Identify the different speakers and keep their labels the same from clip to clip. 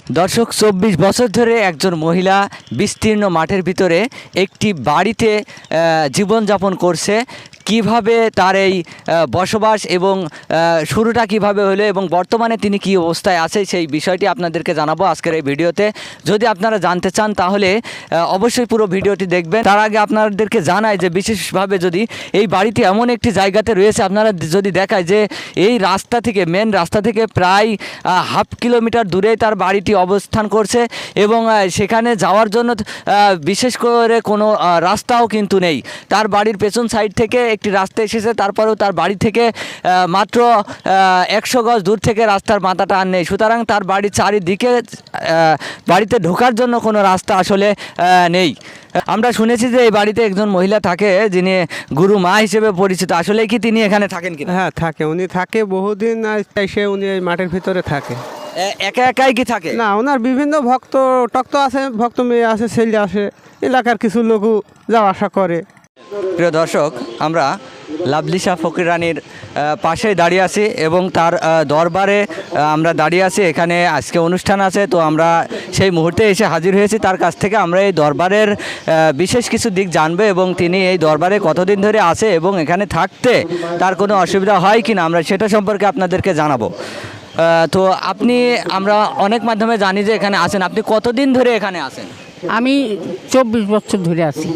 Speaker 1: দর্শক ২৪ বছর ধরে একজন মহিলা বিস্তীর্ণ মাঠের ভিতরে একটি বাড়িতে জীবনযাপন করছে। কিভাবে তার এই বসবাস এবং শুরুটা কিভাবে হলো এবং বর্তমানে তিনি কী অবস্থায় আছে সেই বিষয়টি আপনাদেরকে জানাবো আজকের এই ভিডিওতে। যদি আপনারা জানতে চান তাহলে অবশ্যই পুরো ভিডিওটি দেখবেন। তার আগে আপনাদেরকে জানাই যে বিশেষভাবে যদি এই বাড়িটি এমন একটি জায়গাতে রয়েছে, আপনারা যদি দেখায় যে এই রাস্তা থেকে মেন রাস্তা থেকে প্রায় হাফ কিলোমিটার দূরেই তার বাড়িটি অবস্থান করছে এবং সেখানে যাওয়ার জন্য বিশেষ করে কোনো রাস্তাও কিন্তু নেই। তার বাড়ির পেছন সাইড থেকে একটি রাস্তা এসেছে, তারপরেও তার বাড়ি থেকে মাত্র ১০০ গজ দূর থেকে রাস্তার মাথাটা আর নেই। সুতরাং তার বাড়ির চারিদিকে বাড়িতে ঢোকার জন্য কোনো রাস্তা আসলে নেই। আমরা শুনেছি যে এই বাড়িতে একজন মহিলা থাকে যিনি গুরু মা হিসেবে পরিচিত। আসলে কি তিনি এখানে থাকেন কিনা?
Speaker 2: হ্যাঁ থাকে, উনি থাকে বহুদিন এসে উনি এই মাঠের ভিতরে থাকে।
Speaker 1: একা একাই কি থাকে?
Speaker 2: না, ওনার বিভিন্ন ভক্ত টক্ত আছে, ভক্ত মেয়ে আছে, ছেলে আসে, এলাকার কিছু লোকও যাওয়া আসা করে।
Speaker 1: প্রিয় দর্শক, আমরা লাভলি শাহ ফকির রানীর পাশে দাঁড়িয়ে আছি এবং তার দরবারে আমরা দাঁড়িয়ে আছি। এখানে আজকে অনুষ্ঠান আছে, তো আমরা সেই মুহূর্তে এসে হাজির হয়েছি তার কাছ থেকে। আমরা এই দরবারের বিশেষ কিছু দিক জানবো এবং তিনি এই দরবারে কতদিন ধরে আছে এবং এখানে থাকতে তার কোনো অসুবিধা হয় কি না আমরা সেটা সম্পর্কে আপনাদেরকে জানাবো। তো আমরা অনেক মাধ্যমে জানি যে এখানে আছেন। আপনি কতদিন ধরে এখানে আছেন?
Speaker 3: আমি ২৪ বছর ধরে আছি।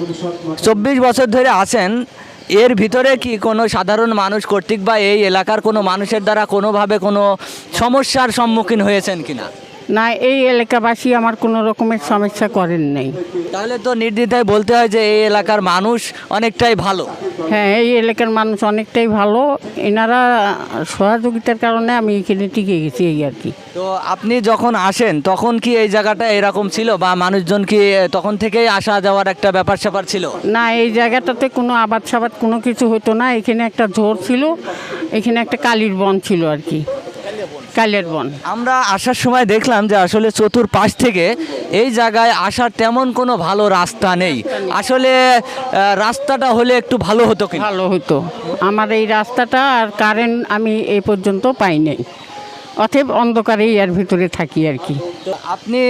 Speaker 1: ২৪ বছর ধরে আছেন। এর ভিতরে কি কোনো সাধারণ মানুষ কর্তৃক বা এই এলাকার কোনো মানুষের দ্বারা কোনোভাবে কোনো সমস্যার সম্মুখীন হয়েছেন কিনা?
Speaker 3: না, এই এলাকাবাসী আমার কোনো রকমের সমস্যা করেন নাই।
Speaker 1: তাহলে তো নির্দ্বিধায় বলতে হয় যে এই এলাকার মানুষ অনেকটাই ভালো।
Speaker 3: হ্যাঁ, এই এলাকার মানুষ অনেকটাই ভালো। এনারা সহযোগিতার কারণে আমি এখানে টিকে গেছি, এই আর কি।
Speaker 1: তো আপনি যখন আসেন তখন কি এই জায়গাটা এরকম ছিল বা মানুষজন কি তখন থেকেই আসা যাওয়ার একটা ব্যাপার স্যাপার ছিল?
Speaker 3: না, এই জায়গাটাতে কোনো আবাদ সাবাদ কোনো কিছু হতো না। এখানে একটা ঝোর ছিল, এখানে একটা কালির বন ছিল আর কি, কালের বন।
Speaker 1: আমরা আসার সময় দেখলাম যে আসলে চতুর্পাশ থেকে এই জায়গায় আসার তেমন কোনো ভালো রাস্তা নেই। আসলে রাস্তাটা হলে একটু ভালো হতো কি?
Speaker 3: ভালো হতো। আমার এই রাস্তাটা আর কারেন্ট আমি এই পর্যন্ত পাই নাই, অতএব অন্ধকারেই এর ভিতরে থাকি আর কি।
Speaker 1: তো আপনি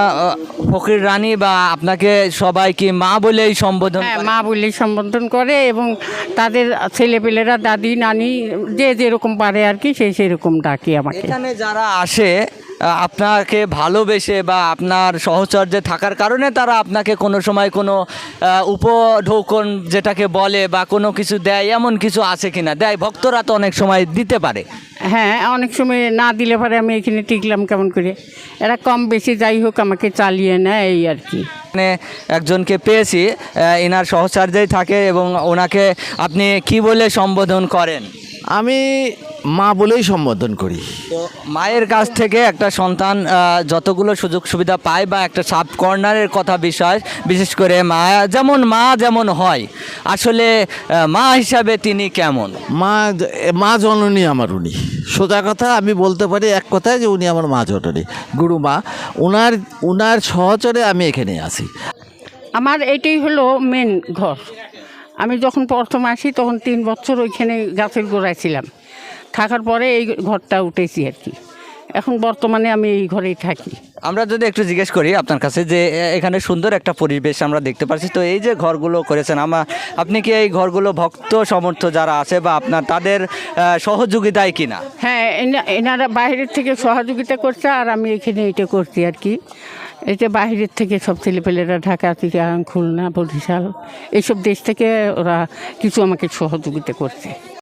Speaker 1: ফকির রানী বা আপনাকে সবাই কি মা বলেই সম্বোধন?
Speaker 3: হ্যাঁ, মা বলেই সম্বোধন করে এবং তাদের ছেলেপেলেরা দাদি নানি যে যেরকম পারে আর কি সেই সেরকম ডাকে আমাকে।
Speaker 1: এখানে যারা আসে আপনাকে ভালোবেসে বা আপনার সহচর্যে থাকার কারণে তারা আপনাকে কোনো সময় কোনো উপঢৌকন যেটাকে বলে বা কোনো কিছু দেয়, এমন কিছু আছে কিনা? দেয়, ভক্তরা তো অনেক সময় দিতে পারে।
Speaker 3: হ্যাঁ, অনেক সময় না দিলে পরে আমি এখানে টিকলাম কেমন করে, এরা কম বেশি যাই হোক আমাকে চালিয়ে নেয় এই আর কি।
Speaker 1: মানে একজনকে পেয়েছি এনার সহচর্যেই থাকে এবং ওনাকে আপনি কি বলে সম্বোধন করেন?
Speaker 4: আমি মা বলেই সম্বোধন করি।
Speaker 1: তো মায়ের কাছ থেকে একটা সন্তান যতগুলো সুযোগ সুবিধা পায় বা একটা সাব কর্নারের কথা বিষয়, বিশেষ করে মা যেমন হয় আসলে মা হিসাবে তিনি কেমন?
Speaker 4: মা জননী আমার উনি। সোজা কথা আমি বলতে পারি এক কথায় যে উনি আমার মা জননী, গুরু মা। উনার সহচরে আমি এখানে আছি।
Speaker 3: আমার এটাই হলো মেন ঘর। আমি যখন প্রথম আসি তখন 3 বছর ওইখানে গাছের গোড়ায় ছিলাম, থাকার পরে এই ঘরটা উঠেছি আর কি। এখন বর্তমানে আমি এই ঘরেই থাকি।
Speaker 1: আমরা যদি একটু জিজ্ঞেস করি আপনার কাছে যে এখানে সুন্দর একটা পরিবেশ আমরা দেখতে পাচ্ছি, তো এই যে ঘরগুলো করেছেন আপনি কি এই ঘরগুলো ভক্ত সমর্থ যারা আছে বা আপনার তাদের সহযোগিতায় কিনা?
Speaker 3: হ্যাঁ, এনারা বাইরের থেকে সহযোগিতা করছে আর আমি এখানে এটা করছি আর কি। এটা বাইরের থেকে সব ছেলেপেলেরা ঢাকা থেকে খুলনা বরিশাল এইসব দেশ থেকে ওরা কিছু আমাকে সহযোগিতা করছে।